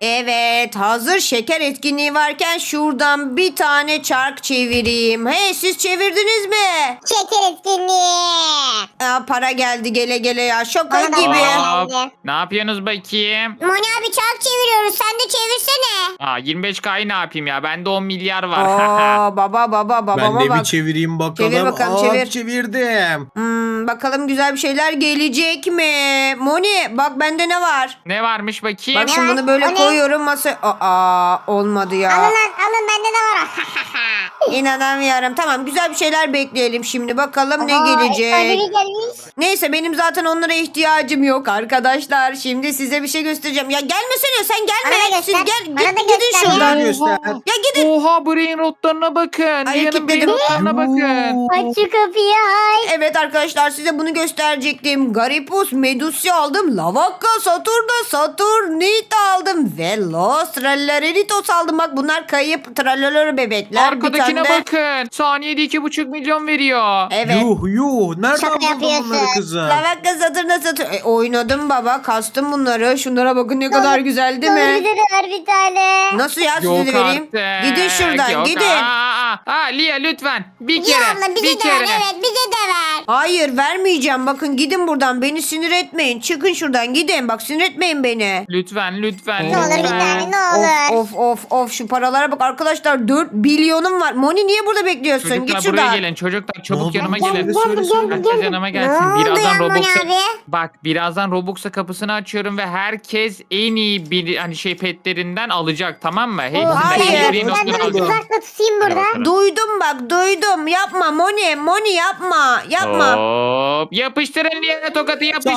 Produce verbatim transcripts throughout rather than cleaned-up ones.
Evet, hazır şeker etkinliği varken şuradan bir tane çark çevireyim. Hey, siz çevirdiniz mi? Şeker etkinliği. Aa, para geldi gele gele ya, şaka Bana da gibi. para Hop. geldi. Ne yapıyorsunuz bakayım? Moni abi çark çeviriyoruz. Sen de çevirsene. Aa, yirmi beş K'yı ne yapayım ya? Bende on milyar var. Aa, baba baba babama Ben de bak. bir çevireyim bakalım. Çevir bakalım, Aa, çevir. Çevirdim. Hmm, bakalım güzel bir şeyler gelecek mi? Moni bak bende ne var? Ne varmış bakayım? Bak şimdi var? bunu böyle O ne? koyuyorum masaya. Aa, olmadı Alın ya. lan alın bende de var. İnanamıyorum. Tamam, güzel bir şeyler bekleyelim şimdi. Bakalım ne Aa, gelecek. ödülü gelmiş. Neyse, benim zaten onlara ihtiyacım yok arkadaşlar. Şimdi size bir şey göstereceğim. Ya gelmesene, sen gelme. Bana da Siz göster. gel, Bana git, da gidin göster şuradan. ya. Göster. Ya gidin. Oha, brain rotlarına bakın. Ay, Lia'nın kilitledim. brain rotlarına bakın. Aç şu kapıyı ay. Evet arkadaşlar, size bunu gösterecektim. Garipus Medusi aldım. Lavakka, Saturda, Saturnita aldım. Ve Los Trallareritos aldım. Bak bunlar kayıp trallalero bebekler. Arkadakine Bir tane de- bakın. Saniyede iki buçuk milyon veriyor. Evet. Yuh yuh. Nereden Şaka buldun yapıyorsun. bunları kızım? Lavakka, Saturna, Saturn. E, oynadım baba. Kastım bunları. Şunlara bakın, ne kadar güzel değil Olur, mi? bize de ver bir tane. Nasıl ya, size Yok de vereyim. artık. Gidin şuradan, Yok. gidin. Aa, aa, aa. Lia lütfen. Bir Ya kere. abla bize bir de ver. kere. Evet bize de ver. Hayır, vermeyeceğim. Bakın gidin buradan. Beni sinir etmeyin. Çıkın şuradan, gidin. Bak, sinir etmeyin beni. Lütfen lütfen. Ne olur bir lütfen. tane ne olur. Of of of of, şu paralara bak arkadaşlar, dört bilyonum var. Moni niye burada bekliyorsun? Çocuklar Git buraya şuradan. gelin. Çocuklar Ne çabuk oldu? yanıma Gel, gelin. gel, gel, gel, Herkes gel. yanıma Ne gelsin. oldu Birazdan ya Moni Robux'a abi? bak birazdan Robux'a kapısını açıyorum ve herkes en iyi bir hani şey petlerinden alacak, tamam mı? Hepsinden hayır. en iyi Ben brain de rotları alacak. uzakta tutayım burada. bakalım. Duydum bak, duydum. Yapma Moni, Moni yapma. Yapma. Hop. Yapıştırın Lia'ya tokatı yapıştırın.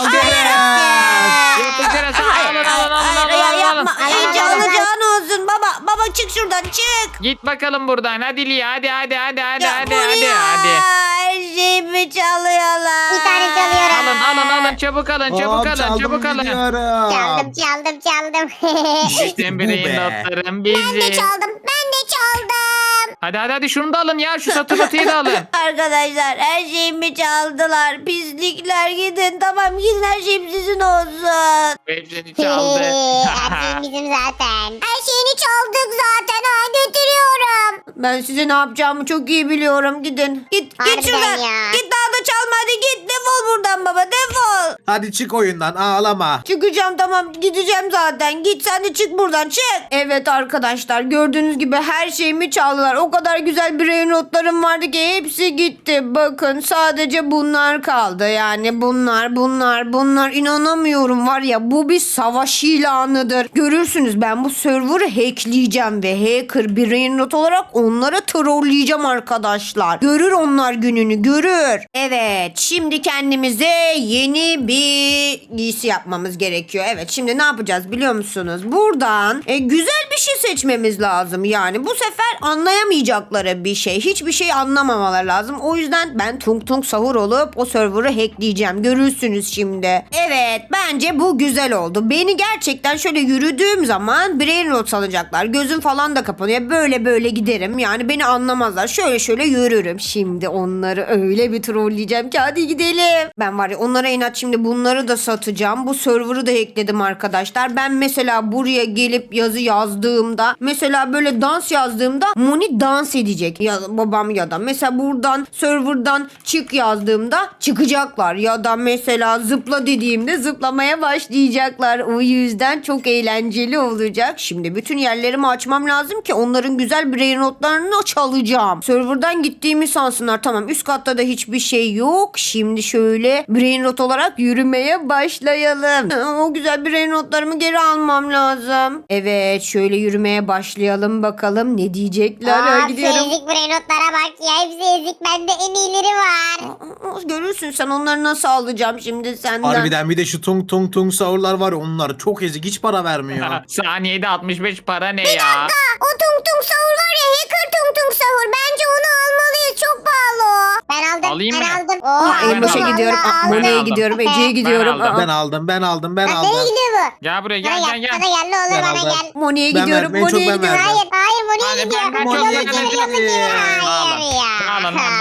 Hayır. Yapıştırın. Alın alın alın Hayır alın ya, alın. yapma. alın. İyice alın, alın. alacağın olsun baba. Baba çık şuradan, çık. Git bakalım buradan. Hadi Lia, hadi hadi hadi hadi Ya hadi Moni hadi ya, hadi. her şeyimi çalıyorlar. Bir tane çalıyorum. Alın alın alın, çabuk alın, çabuk Hop, alın, çaldım çabuk alın. gidiyorum. Çaldım çaldım çaldım. İşte Bu brain be. notlarım ben de bizi. çaldım ben de çaldım. Hadi hadi hadi şunu da alın ya, şu satırlatıyı da alın. Arkadaşlar, her şeyimi çaldılar. Pislikler, gidin. Tamam, gidin, her şeyim sizin olsun. Hepsini çaldı. Her şeyin bizim zaten. Her şeyini çaldık zaten ha götürüyorum. Ben size ne yapacağımı çok iyi biliyorum. Gidin. Git Harbiden git şuradan. ya. Git, daha da çalma, hadi git. Defol buradan baba, defol. Hadi çık oyundan ağlama. Çıkacağım, tamam, gideceğim zaten. Git sen de, çık buradan, çık. Evet arkadaşlar, gördüğünüz gibi her şeyimi çaldılar. O kadar güzel brain notlarım vardı ki hepsi gitti. Bakın, sadece bunlar kaldı. Yani bunlar bunlar bunlar, inanamıyorum var ya, bu bir savaş ilanıdır. Görürsünüz, ben bu server'ı hackleyeceğim ve hacker brain not olarak onlara trolleyeceğim arkadaşlar. Görür onlar gününü, görür. Evet, şimdi kendimize yeni bir giysi yapmamız gerekiyor. Evet, şimdi ne yapacağız biliyor musunuz? Buradan e, güzel bir şey seçmemiz lazım. Yani bu sefer anlayamayacakları bir şey. Hiçbir şey anlamamaları lazım. O yüzden ben tung tung sahur olup o server'ı hackleyeceğim. Görürsünüz şimdi. Evet, bence bu güzel oldu. Beni gerçekten şöyle yürüdüğüm zaman brain rot alacaklar. Gözüm falan da kapanıyor. Böyle böyle giderim. Yani beni anlamazlar. Şöyle şöyle yürürüm. Şimdi onları öyle bir trolleyeceğim ki, hadi gidelim. Ben var ya, onlara inat şimdi bunları da satacağım. Bu server'ı da hackledim arkadaşlar. Ben mesela buraya gelip yazı yazdığımda, mesela böyle dans yazdığımda Moni dans edecek. Ya babam, ya da mesela buradan server'dan çık yazdığımda çıkacaklar. Ya da mesela zıpla dediğimde zıplamaya başlayacaklar. O yüzden çok eğlenceli olacak. Şimdi bütün yerlerimi açmam lazım ki onların güzel brain notlarını çalacağım. Server'dan gittiğimi sansınlar. Tamam, üst katta da hiçbir şey yok. Şimdi şöyle brain not olarak yürümeye başlayalım. O güzel brain notlarımı geri almam lazım. Evet, şöyle yürümeye başlayalım bakalım ne diyecekler. Ha, Aa, şu gidiyorum. ezik brain notlara bak ya. Hepsi ezik. Bende en iyileri var. Aa, görürsün sen, onları nasıl alacağım şimdi senden. Harbiden bir de şu tung tung tung sahurlar var ya, onlar çok ezik, hiç para vermiyor. Saniyede altmış beş para ne ya? Aa, o tung tung sahur var ya. Hacker tung tung sahur. Bence onu almalıyız. Çok pahalı o. Ben aldım. Alayım ben mı? aldım. Aa, Oo, ben Elboş'a aldım. gidiyorum. Aa, Allah Moni'ye aldım. gidiyorum. Ece'ye gidiyorum. aldım. Aa, Ben aldım ben aldım ben Lan aldım. nereye gidiyor bu? Gel buraya, Bana gel gel. gel Bana gel. gel ne olur Ben bana aldım. gel. Moni'ye Ben gidiyorum. verdim, en çok Moni'ye ben gidiyorum. verdim. Hayır hayır Moni'ye Hadi gidiyor. ben- ben Yok, çok yok, verdim. yok, yok, yok, yok. Alın Hayır ya. alın alın.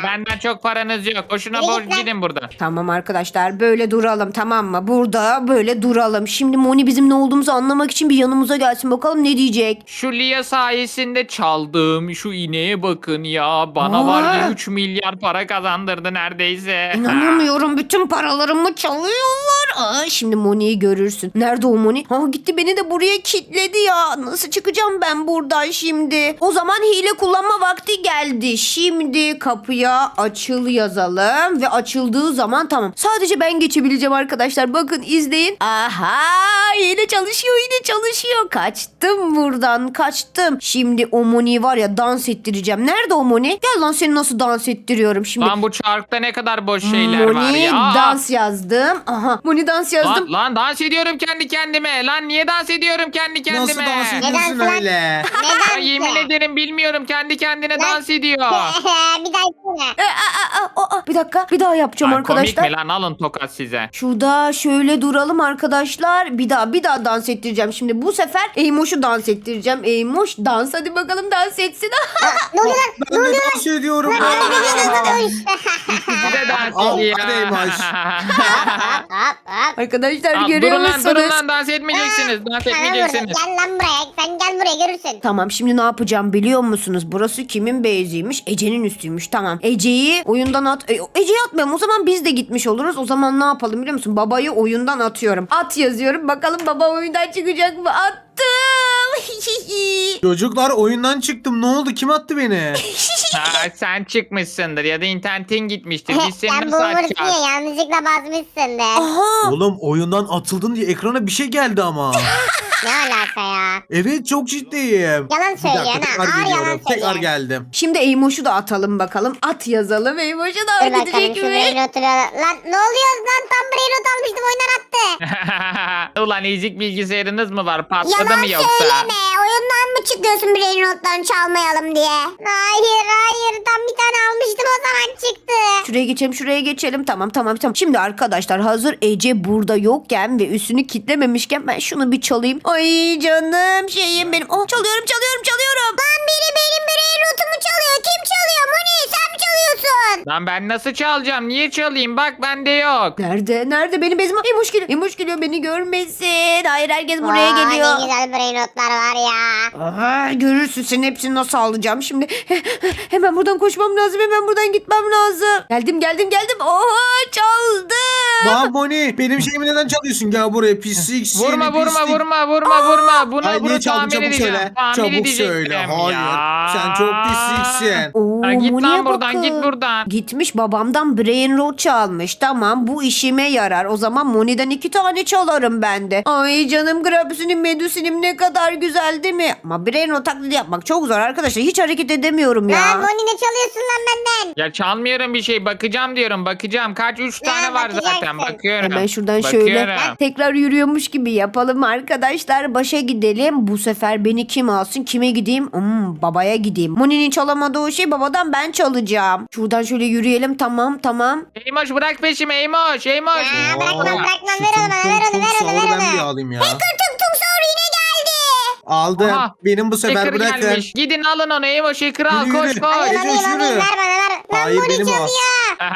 Benden çok paranız yok. Boşuna Yürü borç git lan. gidin buradan. Tamam arkadaşlar böyle duralım tamam mı? Burada böyle duralım. Şimdi Moni bizim ne olduğumuzu anlamak için bir yanımıza gelsin. Bakalım ne diyecek? Şu Lia sayesinde çaldığım şu ineğe bakın ya. Bana var Aa. ya üç milyar para kazandırdı neredeyse. İnanamıyorum bütün paralarımı çalıyorlar. Aa, şimdi Moni'yi görürsün. Nerede o Moni? Ha gitti beni de buraya kilitledi ya. Nasıl çıkacağım ben buradan şimdi? O zaman hile kullanma vakti geldi. Şimdi kapıya açıl yazalım ve açıldığı zaman tamam. Sadece ben geçebileceğim arkadaşlar. Bakın izleyin. Aha yine çalışıyor yine çalışıyor. Kaçtım buradan kaçtım. Şimdi o Moni'yi var ya dans ettireceğim. Nerede o Moni? Gel lan seni nasıl dans ettiriyorum şimdi. Lan bu çarkta ne kadar boş şeyler var Moni ya. Aa! dans yazdım. Aha Moni dans yazdım. Lan, lan dans ediyorum kendi kendime. Lan niye dans ediyorum kendi kendime? Nasıl dans Neden ediyorsun lan? öyle? Ya Neden yemin ki? ederim bilmiyorum kendi kendine Lan- dans ediyor. Bir daha yapsana. E, a, a, a, a, bir dakika bir daha yapacağım Ay, arkadaşlar. komik mi lan alın tokat size. Şurada şöyle duralım arkadaşlar. Bir daha bir daha dans ettireceğim. Şimdi bu sefer Eymoş'u dans ettireceğim. Eymoş dans hadi bakalım dans etsin. Ne oluyor lan? Ben de dans ediyorum. Size dans Al, ediyor. hadi Eymoş. Hop hop. Arkadaşlar Al, görüyor durun lan durun musunuz? lan dans etmeyeceksiniz. Dans Sana vurdu. etmeyeceksiniz. Gel lan buraya. Sen gel buraya görürsün. Tamam şimdi ne yapacağım biliyor musunuz? Burası kimin beyziymiş? Ece'nin üstüymüş. Tamam. Ece'yi oyundan at... E, Ece'yi atmayalım. O zaman biz de gitmiş oluruz. O zaman ne yapalım biliyor musun? Babayı oyundan atıyorum. At yazıyorum. Bakalım baba oyundan çıkacak mı? Attım. Çocuklar oyundan çıktım. Ne oldu? Kim attı beni? Ha, sen çıkmışsındır ya da internetin gitmiştir. Biz seni Sen bu nasıl umursuyor. açacağız? Yanlışlıkla basmışsındır. Aha. Oğlum oyundan atıldın diye ekrana bir şey geldi ama. Ne alaka ya? Evet çok ciddiyim. Yalan Bir söylüyorsun dakika ha. tekrar Ağır yalan geliyorum. Tekrar söylüyorsun. geldim. Şimdi Eymoş'u da atalım bakalım. At yazalım. Eymoş'u da Dur bakalım gidecek şu mi? brain oturuyor. Lan ne oluyor lan? Tam brain not almıştım oyundan attı. Ulan ezik bilgisayarınız mı var? Patladı Yalan mı yoksa? söyleme. Oyundan mı çıkıyorsun brain notlarını çalmayalım diye? Hayır hayır. Tam bir tane almıştım o zaman çıktı. Şuraya geçelim şuraya geçelim. Tamam tamam tamam. Şimdi arkadaşlar hazır Ece burada yokken ve üstünü kitlememişken ben şunu bir çalayım. Ay canım şeyim benim. Oh çalıyorum çalıyorum çalıyorum. Lan biri benim brain notumu çalıyor. Kim çalıyor? Moni sen mi çalıyorsun? Lan ben nasıl çalacağım? Niye çalayım? Bak bende yok. Nerede? Nerede? Benim bezim. Emoş geliyor. Emoş geliyor. Beni görmesin. Hayır herkes buraya Vay, geliyor. Ne güzel brain notlar var ya. Aha, görürsün senin hepsini nasıl alacağım şimdi. Hemen buradan koşmam lazım. Hemen buradan gitmem lazım. Geldim geldim geldim. Oha çaldım. Lan Moni benim şeyimi neden çalıyorsun? Gel buraya pislik seni Vurma vurma pislik. vurma vurma vurma. Buna Ay bunu niye çaldın tamir çabuk edeceğim. söyle. Tamir Çabuk edecektim söyle. Hayır. ya. Sen çok pisliksin. Oo, Ha, git Moni'ye lan buradan bakın. git buradan. Gitmiş babamdan brain rot çalmış. Tamam bu işime yarar. O zaman Moni'den iki tane çalarım ben de. Ay canım Grabsinim Medusinim ne kadar güzel değil mi? Ama brain rot taklidi yapmak çok zor arkadaşlar. Hiç hareket edemiyorum ya. Lan Moni ne çalıyorsun lan benden? Ya çalmıyorum bir şey. Bakacağım diyorum. Bakacağım. Kaç? Üç tane var zaten. bakacaksın. Bakıyorum. Hemen şuradan şöyle Bakıyorum. tekrar yürüyormuş gibi yapalım arkadaşlar. Başa gidelim. Bu sefer beni kim alsın? Kime gideyim? Hmm, babaya gideyim. Moni'nin çalamadığı o şey babadan ben çalacağım. Şuradan şöyle yürüyelim. Tamam tamam. Eymoş bırak peşimi Eymoş. Eymoş. Ya bırakmam Oo, bırakmam şu ver onu bana tung ver onu tung ver tung onu ver sahuru ben bir onu. alayım ya. Tung tung sahur yine geldi. Aldım. Aha, Benim bu sefer Hacker bırakın. gelmiş. Gidin alın onu Eymoş. Hacker al. Yürü, Koş yürü. koş. Alayım Ece, alayım yürü. alayım ver bana ver. Lan Hayır, Moni benim o. çalıyor.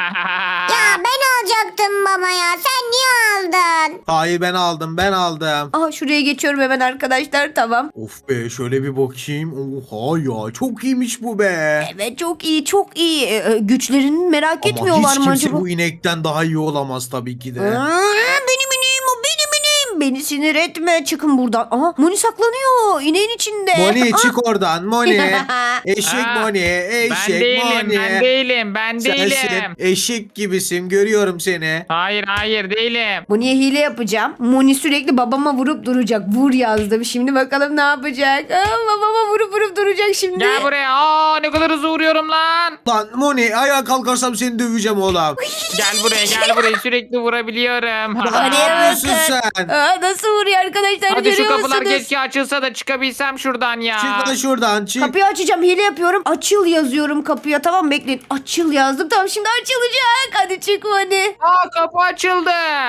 Ya ben alacaktım baba ya. Sen niye aldın? Hayır ben aldım ben aldım. Aha şuraya geçiyorum hemen arkadaşlar. Tamam. Of be şöyle bir bakayım. Oha ya çok iyiymiş bu be. Evet çok iyi çok iyi. Ee, e, güçlerini merak Ama etmiyorlar hiç mı kimse acaba? bu inekten daha iyi olamaz tabii ki de. Aa, benim ineğim o benim ineğim. Beni sinir etme çıkın buradan. Aha Moni saklanıyor ineğin içinde. Moni Aa, çık oradan Moni. Eşek Aa, Moni. Ben Eşek değilim. Moni. Ben değilim. Ben Sensin. değilim. Eşek gibisin görüyorum seni. Hayır hayır değilim. Moni'ye hile yapacağım. Moni sürekli babama vurup duracak. Vur yazdım. Şimdi bakalım ne yapacak. Aa, babama vurup vurup duracak şimdi. Gel buraya. Aa ne kadar hızlı vuruyorum lan. Lan Moni ayağa kalkarsam seni döveceğim oğlum. Gel buraya gel buraya sürekli vurabiliyorum. Ne Hadi yapıyorsun bakın. sen? Aa, Nasıl vuruyor arkadaşlar, Hadi şu görüyor kapılar musunuz? keşke açılsa da çıkabilsem şuradan ya. Çık lan şuradan çık. Kapıyı açacağım, hile yapıyorum. Açıl yazıyorum kapıya, tamam bekleyin. Açıl yazdım, tamam şimdi açılacak. Hadi çık Moni. Aa, kapı açıldı.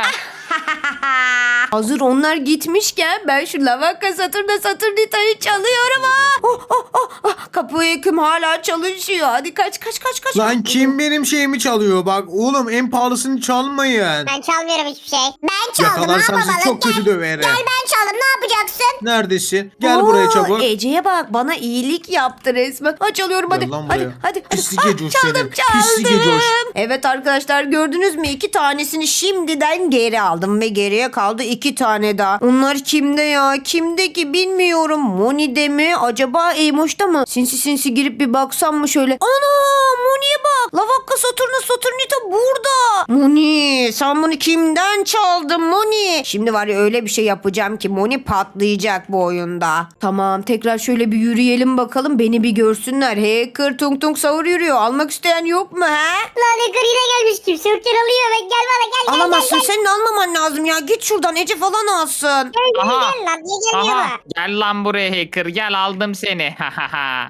Hazır onlar gitmişken ben şu Lavaka Saturna Saturnita'yı çalıyorum. Ah! Oh, oh, oh, oh. Kapı yıkım hala çalışıyor. Hadi kaç kaç kaç kaç. Lan kim benim şeyimi çalıyor? Bak oğlum en pahalısını çalmayın. Ben çalmıyorum hiçbir şey. Ben çaldım. Ne Yakalarsam yapalım? sizi çok kötü döverim. Gel ben çaldım. Ne yapacaksın? Neredesin? Gel Oo, buraya çabuk. Ece'ye bak, bana iyilik yaptı resmen. Ha, çalıyorum hadi. Gel lan Hadi buraya. hadi. hadi. Pislik Ah, Ecoş çaldım senin. çaldım. Pislik Ecoş. Evet arkadaşlar, gördünüz mü? İki tanesini şimdiden geri aldım ve geriye kaldı iki tane daha. Onlar kimde ya? Kimde ki bilmiyorum. Moni'de mi? Acaba Eymoş'ta mı? Sinsi sinsi girip bir baksam mı şöyle? Ana, Moni'ye bak. Lavakka Saturna Saturnita burada. Moni, sen bunu kimden çaldın Moni? Şimdi var ya, öyle bir şey yapacağım ki Moni patlayacak bu oyunda. Tamam, tekrar şöyle bir yürüyelim bakalım. Beni bir görsünler. Hacker tung tung savur yürüyor. Almak isteyen yok mu he? Lan Hacker yine gelmiş. Kimse yokken alıyor. Ve gel bana gel gel Alamazsın, gel. gel. senin almaman lazım ya. Git şuradan, Ece falan alsın. Gel Aha. gel lan. Niye gelmiyor Aha, bu? gel lan buraya hacker, gel aldım seni. Lan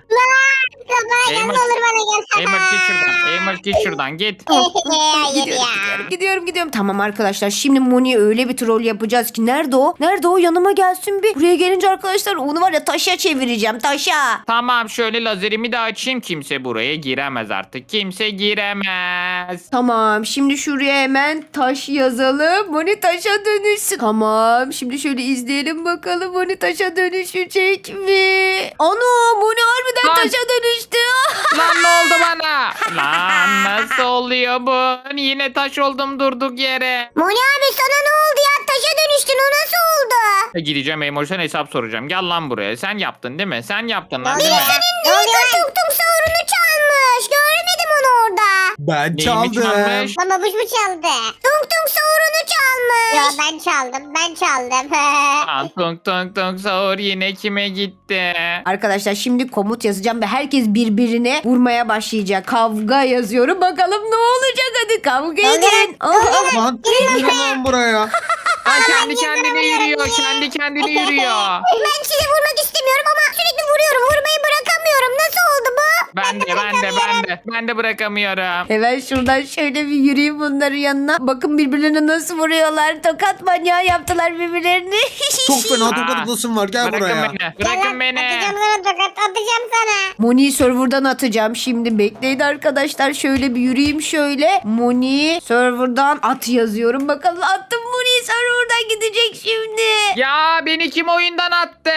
bana gel ne Eymoş. olur bana gel. Eymoş git şuradan. Eymoş git şuradan git. Hayır Gidiyorum, ya. gidiyorum, gidiyorum, gidiyorum. Tamam arkadaşlar, şimdi Moni'ye öyle bir troll yapacağız ki. Nerede o? Nerede o? Yanıma gelsin bir. Buraya gelince arkadaşlar onu var ya, taşa çevireceğim, taşa. Tamam, şöyle lazerimi de açayım, kimse buraya giremez artık. Kimse giremez. Tamam, şimdi şuraya hemen taş yazalım. Moni taşa dönüşsün. Tamam, şimdi şöyle izleyelim bakalım Moni taşa dönüşecek mi? Ana, Moni harbiden Lan. taşa dönüştü. Lan ne oldu bana? Lan nasıl oluyor bu? Yine taş oldum durduk yere. Moni abi sana ne oldu ya? Taşa dönüştün. O nasıl oldu? E, Gideceğim Eymoş'tan hesap soracağım. Gel lan buraya. Sen yaptın değil mi? Sen yaptın lan Biri değil mi? senin Hacker tung tung savurunu çalmış. Görmedim onu orada. Ben Neyimi çaldım. çalmış? Lan babuş mu çaldı? Tung tung savurunu çalmış. Ya ben çaldım. Ben çaldım. Lan tung tung tung sahur yine kime gitti? Arkadaşlar şimdi komut yazacağım ve herkes birbirine vurmaya başlayacak. Kavga yazıyorum. Bakalım ne olacak, hadi kavga edin. Aha. Lan gel lan buraya. Lan kendi kendine yürüyor. Kendi kendine yürüyor. Ben sizi vurmak istemiyorum ama sürekli vuruyorum. Vurmayı bırakamıyorum. Nasıl oldu bu? Ben de ben de ben de. Ben de bırakamıyorum. Hemen şuradan şöyle bir yürüyeyim bunların yanına. Bakın birbirlerine nasıl vuruyorlar. Tokat manyağı yaptılar birbirlerini. Çok fena Aa, tokatlasın var. Gel Bırakın buraya. beni. Gel Bırakın lan, beni. Atacağım sana tokat. Atacağım sana. Moni'yi serverdan atacağım şimdi. Bekleyin arkadaşlar. Şöyle bir yürüyeyim şöyle. Moni serverdan at yazıyorum. Bakalım attım, Moni serverdan gidecek şimdi. Ya beni kim oyundan attı?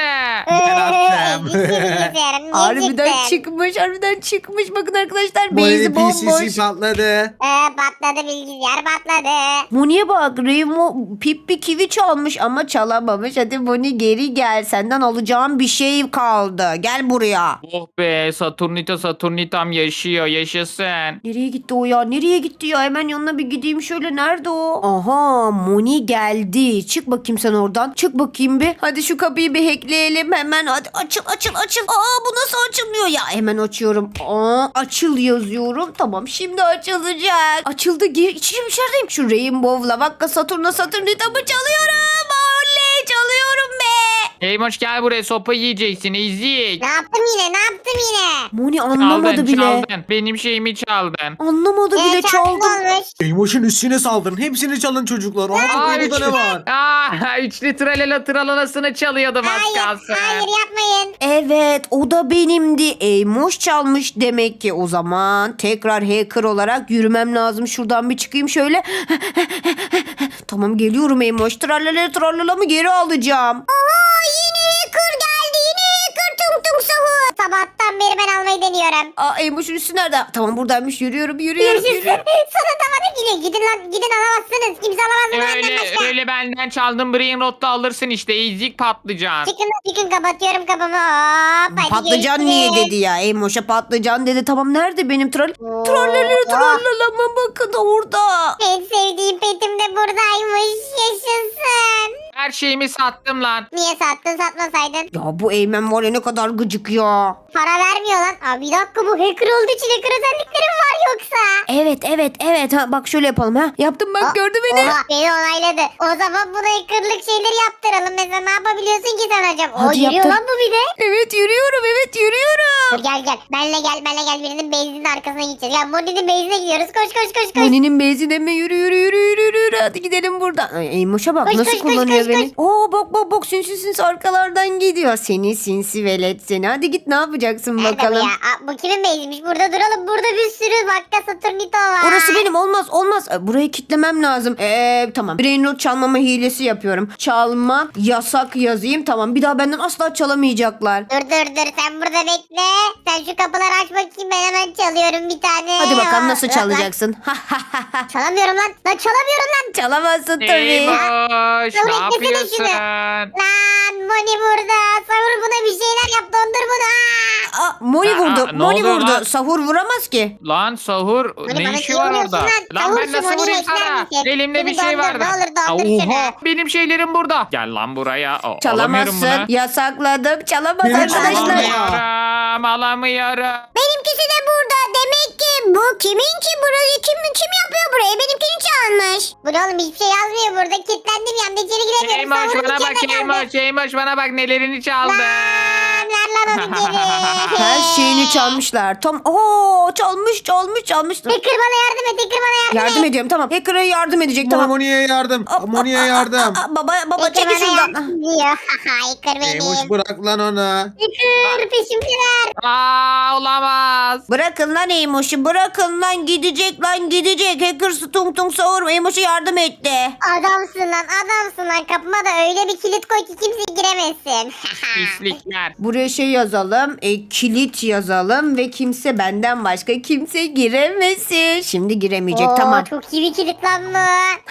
attım. Gitti bilgisayarım. Niye Harbiden çıktın? çıkmış. Harbiden çıkmış. Bakın arkadaşlar. Moni Beyzi P C bomboş. C patladı. Ee, patladı bilgisayar patladı. Moni'ye bak. Remo Pippi kivi çalmış ama çalamamış. Hadi Moni geri gel. Senden alacağım bir şey kaldı. Gel buraya. Oh be, Saturnita Saturnitam yaşıyor, yaşasın. Nereye gitti o ya? Nereye gitti ya? Hemen yanına bir gideyim şöyle. Nerede o? Aha, Moni geldi. Çık bakayım sen oradan. Çık bakayım bir. Hadi şu kapıyı bir hackleyelim hemen. Hadi açıl açıl açıl. Aa, bu nasıl açılmıyor ya? Hemen açıyorum. Aa, açıl yazıyorum. Tamam, şimdi açılacak. Açıldı. Gir, içim içerideyim. Şu Rainbow Lavakka Saturna Saturnita'mı çalıyorum. Oley, çalıyorum be. Eymoş gel buraya, sopa yiyeceksin, ezik. Ne yaptım yine? Ne yaptım yine? Moni anlamadı Çaldın bile. çaldın. Benim şeyimi çaldın. Anlamadı bile, Ee, çaldım. olmuş. Eymoş'un üstüne saldırın. Hepsini çalın çocuklar. Aha Aa, burada ne var? Aa, üçlü tralela tralanasını çalıyordum az Hayır, kalsın. hayır yapmayın. Evet, o da benimdi. Eymoş çalmış demek ki. O zaman tekrar hacker olarak yürümem lazım. Şuradan bir çıkayım şöyle. Tamam, geliyorum Eymoş. Trallala trallalamı geri alacağım. Aa, yine hacker geldi. Yine hacker tung tung sahur. Sabahtan beri ben almayı deniyorum. Aa, Eymoş'un üstü nerede? Tamam, buradaymış. Yürüyorum, yürüyorum, Görüşürüz. yürüyorum. Sana da bana gidin. Gidin lan. Gidin alamazsınız. Kimse alamaz bunu benden Öyle, başka. öyle benden çaldın, Brain Rot'ta alırsın işte, ezik patlıcan. Çıkın çıkın kapatıyorum kapımı. Hop, hadi Patlıcan görüşürüz. niye dedi ya? Eymoş'a patlıcan dedi. Tamam, nerede benim troll? Oo. Trallala trallalama bakın orada. En sevdiğim petim de buradaymış. Yaşasın. Her şeyimi sattım lan. Niye sattın satmasaydın? Ya bu Eymen var ya ne kadar gıcık ya. Para vermiyor lan. Abi bir dakika bu hacker olduğu için hacker özellikleri mi var yoksa? Evet evet evet ha, bak şöyle yapalım ha. Yaptım bak Aa, gördü beni. Oha beni onayladı. O zaman buna hackerlık şeyleri yaptıralım. Mesela ne yapabiliyorsun ki sen acaba? O Hadi yürüyor yaptır. lan bu bir de. Evet yürüyorum evet yürüyorum. Dur gel gel. Benle gel benle gel. Birinin benzinin arkasına gideceğiz. Ya Moni'nin benzinine gidiyoruz. Koş koş koş koş. Moni'nin benzine mi yürü yürü yürü yürü yürü yürü. Hadi gidelim buradan. Ay, Eymoş'a bak Koş, nasıl koş, koş, kullanıyor koş, beni. Oo bak bak bak sinsi sinsi arkalardan gidiyor. Seni sinsi velet seni. Hadi git ne yapacaksın Nerede bu bakalım. ya? Aa, bu kimin benzinmiş? Burada duralım. Burada bir sürü Vakka Saturnito var. Orası benim olmaz olmaz. E, Burayı kitlemem lazım. Eee tamam. Brain rot çalmama hilesi yapıyorum. Çalmak yasak yazayım. Tamam bir daha benden asla çalamayacaklar. Dur dur dur sen burada bekle. Sen şu kapıları aç bakayım ben hemen çalıyorum bir tane. Hadi bakalım nasıl Lan, lan, çalacaksın. Çalamıyorum lan. Lan çalamıyorum lan. Çalamazsın tabii. Eymoş Dur, ne beklesene yapıyorsun? şunu. Lan Moni burada. Savur buna bir şeyler yap dondur bunu. Aa! Aa, Moni Aa, vurdu. ne Moni oluyor vurdu. lan? Sahur vuramaz ki. Lan sahur Hani ne bana işi var yemiyorsun orada? lan. Lan Savur ben şu nasıl Moni'yi vurayım ekler sana? misin? Elimde bir Şunu şey dondur, vardı. ne olur dondur Oha, şunu. benim şeylerim burada. Gel lan buraya. O, alamıyorum Çalamazsın. bunu. Yasakladım. Çalamaz Benim arkadaşlar. çalamam. Alamıyorum, alamıyorum. Benimkisi de burada. Demek ki bu kimin ki burayı kim kim yapıyor burayı? Benimkini çalmış. Bu ne oğlum hiçbir şey yazmıyor burada. Kilitlendim yanında içeri giremiyorum. Eymoş Savurun bana bak içeride kaldı. Eymoş. Eymoş bana bak nelerini çaldı. Lan ver lan onu geri. Her şeyini çalmışlar. Tam Oo çalmış çalmış çalmış. Hacker bana yardım et. Hacker bana yardım, Yardım et. ediyorum tamam. Hacker'a yardım edecek tamam. Moni'ye yardım. Aa, Moni'ye aa, yardım. aa, aa, Baba baba Hacker çekil bana şuradan. yardım diyor. Hacker benim. Eymoş bırak lan onu. Hacker peşimdeler. Aa olamaz. Bırakın lan Eymoş'u bırakın lan gidecek lan gidecek. Hacker tung tung savur Eymoş'a yardım etti. Adamsın lan adamsın lan. Kapıma da öyle bir kilit koy ki kimse giremesin. Pislikler. Buraya şey yazalım. E, kilit yazalım ve kimse benden başka kimse giremesin. Şimdi giremeyecek Oo, tamam. Çok iyi bir kilit lan bu.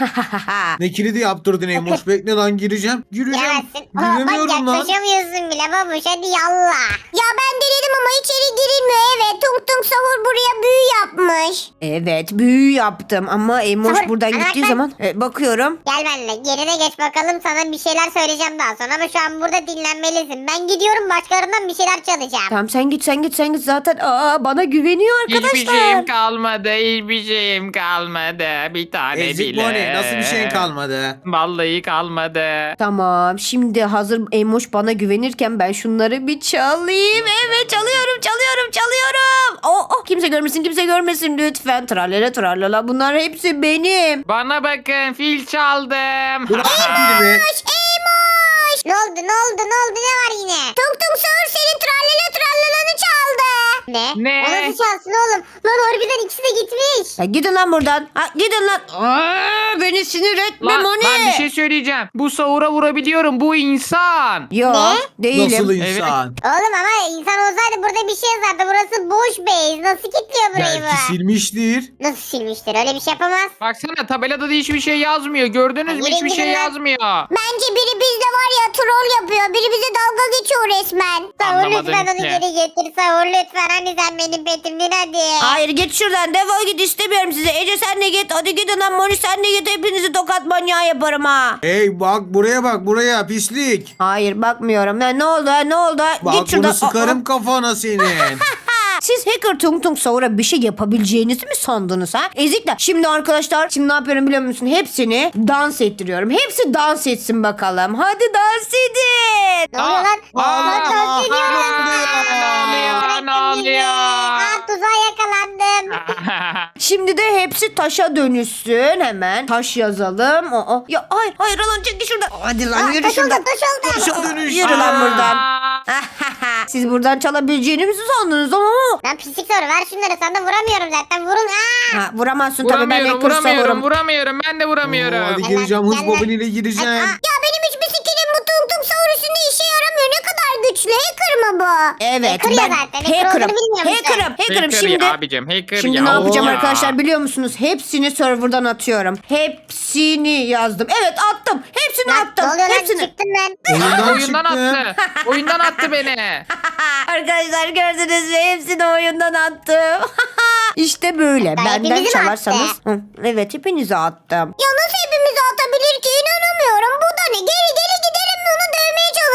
Ne kilidi yaptırdın Eymoş? Bekle lan gireceğim. Gireceğim. Giremezsin. Aa, bak Giremiyorum lan. yaklaşamıyorsun bile babuş hadi yallah. Ya ben denedim ama içeri girilmiyor evet. Tung tung sahur buraya büyü yapmış. Evet büyü yaptım ama Eymoş Savur, buradan bana gittiği bak. zaman e, bakıyorum. Gel benimle yerine geç bakalım sana bir şeyler söyleyeceğim daha sonra ama şu an burada dinlenmelisin. Ben gidiyorum başkalarından bir şeyler çalacağım. Tamam sen git sen git sen git zaten aa, bana güveniyor arkadaşlar. Hiçbir şeyim kalmadı. Hiçbir şeyim kalmadı. Bir tane Ezik bile. Moni nasıl bir şeyin kalmadı? Vallahi kalmadı. Tamam şimdi hazır Eymoş bana güvenirken ben şunları bir çalayım. Evet çalıyorum çalıyorum çalıyorum. Oh, oh, kimse görmesin kimse görmesin lütfen. Tralala tralala bunlar hepsi benim. Bana bakın fil çaldım. Bırak biri be. Eymoş! Ne oldu ne oldu ne oldu ne var yine? Tung tung sahur senin trallala trallalanı çaldı. Ne? Ne? O nasıl çalsın oğlum? Lan harbiden ikisi de gitmiş. Ya gidin lan buradan. Ha, gidin lan. Aa, beni sinir etme Lan, Moni. lan bir şey söyleyeceğim. Bu sahura vurabiliyorum. Bu insan. Yo Ne? değilim. Nasıl insan? Oğlum ama insan olsaydı burada bir şey yazardı. Burası boş base. Nasıl kilitliyor burayı Belki bu? silmiştir. Nasıl silmiştir? Öyle bir şey yapamaz. Baksana tabelada da hiçbir şey yazmıyor. Gördünüz mü? Yürü Hiçbir şey gidin lan. yazmıyor. Bence biri bizde var ya troll yapıyor. Biri bize dalga geçiyor resmen. Sahur Anlamadım lütfen onu ki. geri getir. Sahur lütfen. Hani sen benim petimdin hadi. Hayır git şuradan defol git istemiyorum sizi. Ece sen de git. Hadi gidin lan Moni sen de git. Hepinizi tokat manyağı yaparım ha. Hey bak buraya bak buraya pislik. Hayır bakmıyorum. Ya, ne oldu ha, ne oldu ha? Bak Git şuradan. bunu sıkarım kafana senin. Aa, siz hacker tung tung savura bir şey yapabileceğinizi mi sandınız ha? Ezikler. Şimdi arkadaşlar şimdi ne yapıyorum biliyor musun? Hepsini dans ettiriyorum. Hepsi dans etsin bakalım. Hadi dans edin. Ne oluyor lan? Aa, Lan dans aa, ediyoruz. ne oluyor, Bırakın ne bizi. oluyor? Aa, tuzağa yakalandım. Şimdi de hepsi taşa dönüşsün hemen. Taş yazalım. Aa, ya hayır hayır lan çekil şuradan. Hadi lan Aa, yürü taş oldu şuradan. taş oldu. Taşa dönüş. Yürü lan buradan. Aa, Siz buradan çalabileceğinizi sandınız ama. Lan pislik soru ver şunları sana vuramıyorum zaten vurun. Aa. Ha, vuramazsın tabii ben vuramıyorum, hacker vuramıyorum, savurum. vuramıyorum. Ben de vuramıyorum. Oo, hadi Gel gireceğim lan, hız gel lan. bobiniyle Aa, gireceğim. ya benim hiçbir skillim bu tung tung sahur üstünde işe yaramıyor. Ne kadar güçlü hacker mı bu? Evet Hacker ya ben zaten. Hacker hacker'ım. olduğunu bilmiyor musun? Hacker'ım. Hacker'ım Hacker şimdi. ya abicim, hacker Şimdi ya. ne yapacağım Ya. arkadaşlar biliyor musunuz? Hepsini serverdan atıyorum. Hepsini yazdım. Evet attım. Hepsini Lan, attım. ne oluyor lan Hepsini. çıktım ben. Oyundan, Oyundan çıktı. attı. Oyundan attı beni. Arkadaşlar gördünüz mü? Hepsini oyundan attım. İşte böyle. Hatta Benden hepimizi mi çalarsanız. attı? Hı, evet hepinize attım. Ya nasıl hepimizi atabilir ki inanamıyorum. Bu da ne? Geri geri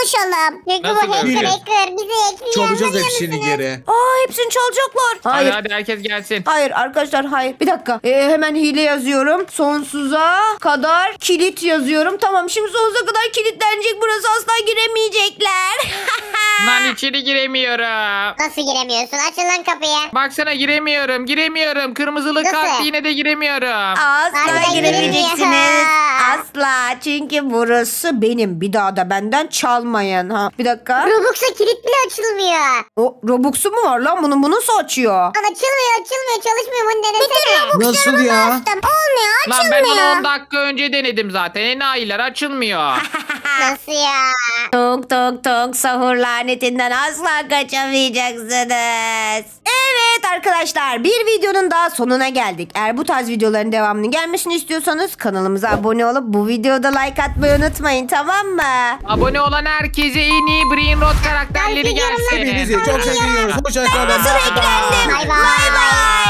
koşalım. Çünkü Nasıl bu hacker göreceğiz? hacker bizi hackliyor. Çalacağız anlamıyor hepsini musunuz? geri. Aa hepsini çalacaklar. Hadi Hayır. hadi herkes gelsin. Hayır arkadaşlar hayır. Bir dakika. Ee, hemen hile yazıyorum. Sonsuza kadar kilit yazıyorum. Tamam şimdi sonsuza kadar kilitlenecek. Burası asla giremeyecekler. Lan içeri giremiyorum. Nasıl giremiyorsun? Açın lan kapıyı. Baksana giremiyorum giremiyorum. Kırmızılı Nasıl? kart yine de giremiyorum. Asla Harbiden giremeyeceksiniz. giremiyor. Asla. Çünkü burası benim. Bir daha da benden çalmayın. Ha. Bir dakika. Robux'a kilit bile açılmıyor. O Robux'u mu var lan? Bunu bunu nasıl açıyor? Lan açılmıyor açılmıyor çalışmıyor bunu denesene. Nasıl ya? Bastım. Olmuyor Lan açılmıyor. ben onu on dakika önce denedim zaten. Enayiler açılmıyor. Nasıl ya? Tok tok tok sahur lanetinden asla kaçamayacaksınız. Evet arkadaşlar bir videonun daha sonuna geldik. Eğer bu tarz videoların devamının gelmesini istiyorsanız kanalımıza abone olup bu videoda like atmayı unutmayın tamam mı? Abone olan herkese en iyi Brain Rot karakterleri Ben gelsin. Hepinizi çok seviyoruz. Hoşçakalın. Nasıl eklendim? Bay bay. Bay bay.